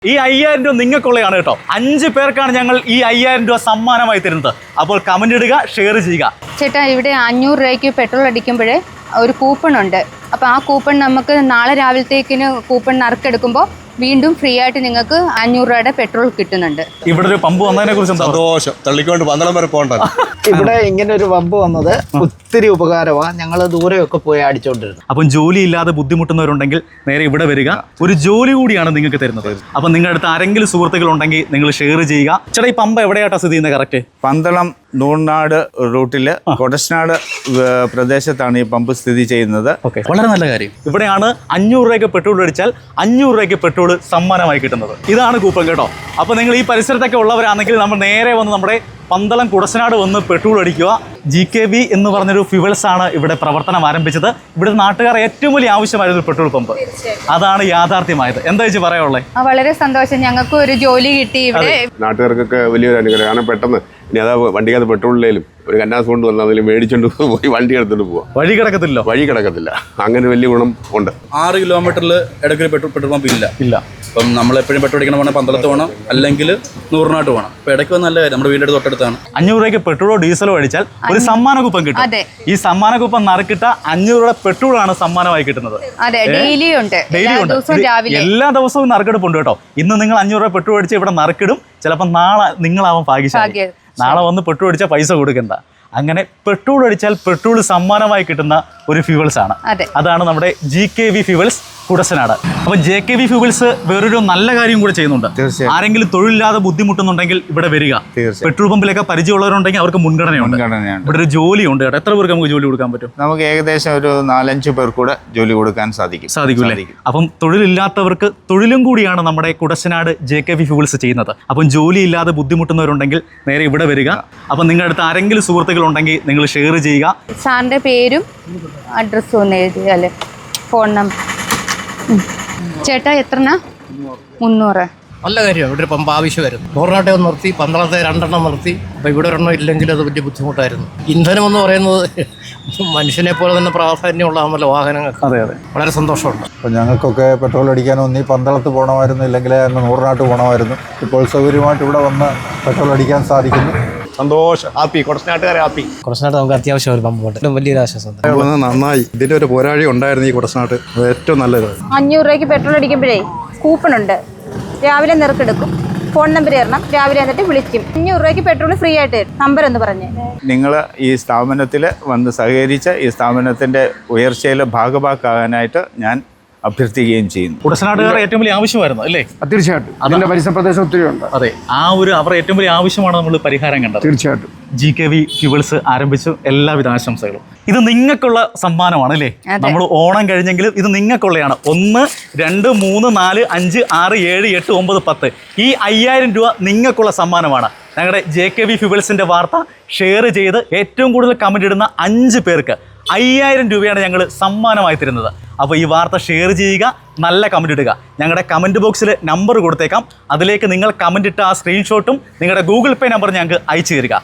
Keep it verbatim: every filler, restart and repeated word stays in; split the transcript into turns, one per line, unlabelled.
ഈ അയ്യായിരം രൂപ നിങ്ങൾക്കുള്ളതാണ് കേട്ടോ. അഞ്ച് പേർക്കാണ് ഞങ്ങൾ ഈ അയ്യായിരം രൂപ സമ്മാനമായി തരുന്നത്. അപ്പോൾ കമന്റ് ഇടുക, ഷെയർ ചെയ്യുക.
ചേട്ടാ, ഇവിടെ അഞ്ഞൂറ് രൂപയ്ക്ക് പെട്രോൾ അടിക്കുമ്പോഴേ ഒരു കൂപ്പൺ ഉണ്ട്. അപ്പോൾ ആ കൂപ്പൺ നമുക്ക് നാളെ രാവിലത്തേക്കിന് കൂപ്പൺ നറുക്കെടുക്കുമ്പോൾ വീണ്ടും ഫ്രീ ആയിട്ട് നിങ്ങൾക്ക് അഞ്ഞൂറ് രൂപയുടെ പെട്രോൾ കിട്ടുന്നുണ്ട്.
ഇവിടെ ഒരു പമ്പ് വന്നതിനെ കുറിച്ച്
സന്തോഷം. തള്ളിക്കൊണ്ട് പന്തളം വരെ പോകണ്ട.
ഇവിടെ ഇങ്ങനെ ഒരു പമ്പ് വന്നത് ഒത്തിരി ഉപകാരമാണ്. ഞങ്ങൾ ദൂരെയൊക്കെ പോയി അടിച്ചോണ്ടിരുന്നത്.
അപ്പം ജോലി ഇല്ലാതെ ബുദ്ധിമുട്ടുന്നവരുണ്ടെങ്കിൽ നേരെ ഇവിടെ വരിക. ഒരു ജോലി കൂടിയാണ് നിങ്ങൾക്ക് തരുന്നത്. അപ്പം നിങ്ങളുടെ അടുത്ത് ആരെങ്കിലും സുഹൃത്തുക്കൾ ഉണ്ടെങ്കിൽ നിങ്ങൾ ഷെയർ ചെയ്യുക. ചേട്ടാ, ഈ പമ്പ് എവിടെയാട്ടാ സ്ഥിതി ചെയ്യുന്നത്? കറക്റ്റ്
പന്തളം നൂർനാട് റൂട്ടില് കൊടശ്നാട് പ്രദേശത്താണ് ഈ പമ്പ് സ്ഥിതി ചെയ്യുന്നത്.
ഓക്കെ, വളരെ നല്ല കാര്യം. ഇവിടെയാണ് അഞ്ഞൂറ് രൂപയ്ക്ക് പെട്രോൾ അടിച്ചാൽ അഞ്ഞൂറ് രൂപയ്ക്ക് പെട്രോൾ സമ്മാനമായി കിട്ടുന്നത്. ഇതാണ് കൂപ്പൺ കേട്ടോ. അപ്പോൾ നിങ്ങൾ ഈ പരിസരത്തൊക്കെ ഉള്ളവരാണെങ്കിൽ നമ്മൾ നേരെ വന്ന് നമ്മുടെ പന്തളം കുടശ്നാട് വന്ന് പെട്രോൾ അടിക്കുക. ജി കെ ബി എന്ന് പറഞ്ഞൊരു ഫ്യൂവൽസ് ആണ് ഇവിടെ പ്രവർത്തനം ആരംഭിച്ചത്. ഇവിടെ നാട്ടുകാർ ഏറ്റവും വലിയ ആവശ്യമായിരുന്നു പെട്രോൾ പമ്പ്. അതാണ് യാഥാർത്ഥ്യമായത്. എന്താ വെച്ച് പറയാനുള്ളത്?
വളരെ സന്തോഷം, ഞങ്ങൾക്ക് ഒരു ജോലി കിട്ടി ഇവിടെ.
നാട്ടുകാർക്കൊക്കെ വലിയൊരു അനുഗ്രഹം. കാരണം പെട്ടെന്ന് ഇനി അതാ വണ്ടിക്കകത്ത് പെട്രോളിലേലും ഒരു കന്നാസ് കൊണ്ട് വന്നാൽ അതിൽ മേടിച്ചോണ്ട് പോയി വണ്ടി എടുത്തോണ്ട് പോവാം.
വഴി കിടക്കത്തില്ല
വഴി കിടക്കത്തില്ല. അങ്ങനെ വലിയ ഗുണം ഉണ്ട്.
ആറ് കിലോമീറ്ററിൽ ഇടയ്ക്ക് പെട്രോൾ പെട്രോൾ പമ്പ് ഇല്ല
ഇല്ല
അപ്പം നമ്മൾ എപ്പോഴും പെട്രോൾ അടിക്കണം വേണം പന്തളത്ത് പോകണം, അല്ലെങ്കിൽ നൂറിനാട്ട് പോകണം. അപ്പോൾ ഇടയ്ക്ക് നല്ല കാര്യം, നമ്മുടെ വീടിൻ്റെ തൊട്ടടുത്താണ്.
അഞ്ഞൂറ് രൂപയ്ക്ക് പെട്രോളോ ഡീസലോ അടിച്ചാൽ ഒരു സമ്മാന കൂപ്പൺ കിട്ടും. ഈ സമ്മാന കൂപ്പൺ നറുക്കിട്ട അഞ്ഞൂറ് രൂപ പെട്രോളാണ് സമ്മാനമായി കിട്ടുന്നത്.
ഡെയിലി ഉണ്ട്,
എല്ലാ ദിവസവും നറുക്കെടുപ്പുണ്ട് കേട്ടോ. ഇന്ന് നിങ്ങൾ അഞ്ഞൂറ് രൂപ പെട്രോൾ അടിച്ച് ഇവിടെ നറുക്കിടും. ചിലപ്പോൾ നാളെ നിങ്ങളാവാൻ ഭാഗ്യശാലി. നാളെ വന്ന് പെട്രോൾ അടിച്ചാൽ പൈസ കൊടുക്കണ്ട. അങ്ങനെ പെട്രോൾ അടിച്ചാൽ പെട്രോൾ സമ്മാനമായി കിട്ടുന്ന ഒരു ഫ്യൂവൽസ് ആണ്. അതാണ് നമ്മുടെ G K V fuels Kudassanad. അപ്പൊ ജെ കെ വി ഫ്യൂവൽസ് വേറൊരു നല്ല കാര്യം കൂടെ ചെയ്യുന്നുണ്ട്. ആരെങ്കിലും തൊഴിലില്ലാതെ ബുദ്ധിമുട്ടുന്നുണ്ടെങ്കിൽ ഇവിടെ വരിക. പെട്രോൾ പമ്പിലൊക്കെ പരിചയമുള്ളവരുണ്ടെങ്കിൽ അവർക്ക് മുൻഗണനയുണ്ട്. ഇവിടെ ഒരു ജോലിയുണ്ട് കേട്ടോ. എത്ര പേർക്ക് നമുക്ക് ജോലി കൊടുക്കാൻ പറ്റും?
നമുക്ക് ഏകദേശം ഒരു നാലഞ്ച് പേർ കൂടെ ജോലി കൊടുക്കാൻ സാധിക്കും
സാധിക്കും അപ്പം തൊഴിലില്ലാത്തവർക്ക് തൊഴിലും കൂടിയാണ് നമ്മുടെ Kudassanad J K V fuels ചെയ്യുന്നത്. അപ്പം ജോലി ഇല്ലാതെ ബുദ്ധിമുട്ടുന്നവരുണ്ടെങ്കിൽ നേരെ ഇവിടെ വരിക. അപ്പം നിങ്ങളുടെ അടുത്ത് ആരെങ്കിലും സുഹൃത്തുക്കൾ ഉണ്ടെങ്കിൽ നിങ്ങൾ ഷെയർ ചെയ്യുക.
സാറിന്റെ പേരും അഡ്രസ്സും ഒന്ന് എഴുതിയാല്, ഫോൺ നമ്പർ. ചേട്ടാ, എത്രനാ? മുന്നൂറ്.
നല്ല കാര്യമാണ്. ഇവിടെ ഒരു പമ്പ് ആവശ്യമായിരുന്നു. നൂറിനാട്ടെ ഒന്ന് നിർത്തി, പന്തളത്തെ രണ്ടെണ്ണം നിർത്തി. അപ്പോൾ ഇവിടെ ഒരെണ്ണം ഇല്ലെങ്കിൽ അത് വലിയ ബുദ്ധിമുട്ടായിരുന്നു. ഇന്ധനം എന്ന് പറയുന്നത് മനുഷ്യനെ പോലെ തന്നെ പ്രാധാന്യമുള്ളതാണല്ലോ വാഹനങ്ങൾക്ക്.
അതെ അതെ,
വളരെ സന്തോഷമുണ്ട്.
അപ്പോൾ ഞങ്ങൾക്കൊക്കെ പെട്രോൾ അടിക്കാൻ ഒന്നീ പന്തളത്ത് പോകണമായിരുന്നു, ഇല്ലെങ്കിൽ അങ്ങ് നൂറിനാട്ട് പോകണമായിരുന്നു. ഇപ്പോൾ സൗകര്യമായിട്ട് ഇവിടെ വന്ന് പെട്രോൾ അടിക്കാൻ സാധിക്കുന്നു.
സന്തോഷം. ഹാപ്പി. കുടശ്നാട്ടുകാരെ ഹാപ്പി.
കുറച്ചുനാട്ട് നമുക്ക് അത്യാവശ്യം ഒരു പമ്പ് ഉണ്ട്. വലിയൊരു ആശ്വാസം.
നന്നായി. ഇതിൻ്റെ ഒരു പോരാഴി ഉണ്ടായിരുന്നു ഈ കുടശ്നാട്ട്. അത് ഏറ്റവും നല്ലത്.
അഞ്ഞൂറ് രൂപയ്ക്ക് പെട്രോൾ അടിക്കുമ്പോഴേ കൂപ്പൺ ഉണ്ട്. രാവിലെ നിറക്കെടുക്കും. ഫോൺ നമ്പർ തരണം. രാവിലെ എന്നിട്ട് വിളിക്കും. അഞ്ഞൂറ് രൂപയ്ക്ക് പെട്രോൾ ഫ്രീ ആയിട്ട് തരും. നമ്പർ എന്ന് പറഞ്ഞ്
നിങ്ങൾ ഈ സ്ഥാപനത്തിൽ വന്ന് സഹകരിച്ച് ഈ സ്ഥാപനത്തിൻ്റെ ഉയർച്ചയിൽ ഭാഗഭാക്കാകാനായിട്ട് ഞാൻ അഭ്യർത്ഥിക്കുകയും ചെയ്യുന്നു.
കുടശ്നാട്ടുകാർ ഏറ്റവും വലിയ ആവശ്യമായിരുന്നു അല്ലേ?
തീർച്ചയായിട്ടും. അതിന്റെ പരിസര പ്രദേശം ഒത്തിരി ഉണ്ട്.
അതെ, ആ ഒരു അവർ ഏറ്റവും വലിയ ആവശ്യമാണ് നമ്മൾ പരിഹാരം കണ്ടത്.
തീർച്ചയായിട്ടും.
ജി കെ വി ഫ്യൂവൽസ് ആരംഭിച്ചു. എല്ലാവിധ ആശംസകളും. ഇത് നിങ്ങൾക്കുള്ള സമ്മാനമാണ് അല്ലേ? നമ്മൾ ഓണം കഴിഞ്ഞെങ്കിലും ഇത് നിങ്ങൾക്കുള്ളതാണ്. ഒന്ന് രണ്ട് മൂന്ന് നാല് അഞ്ച് ആറ് ഏഴ് എട്ട് ഒമ്പത് പത്ത് ഈ അയ്യായിരം രൂപ നിങ്ങൾക്കുള്ള സമ്മാനമാണ്. ഞങ്ങളുടെ ജെ കെ വി ഫ്യൂവൽസിന്റെ വാർത്ത ഷെയർ ചെയ്ത് ഏറ്റവും കൂടുതൽ കമന്റ് ഇടുന്ന അഞ്ച് പേർക്ക് അയ്യായിരം രൂപയാണ് ഞങ്ങൾ സമ്മാനമായി തരുന്നത്. അപ്പോൾ ഈ വാർത്ത ഷെയർ ചെയ്യുക, നല്ല കമന്റ് ഇടുക. ഞങ്ങളുടെ കമന്റ് ബോക്സിൽ നമ്പർ കൊടുത്തേക്കാം. അതിലേക്ക് നിങ്ങൾ കമന്റ് ഇട്ട ആ സ്ക്രീൻഷോട്ടും നിങ്ങളുടെ ഗൂഗിൾ പേ നമ്പർ ഞങ്ങൾക്ക് അയച്ചു തരിക.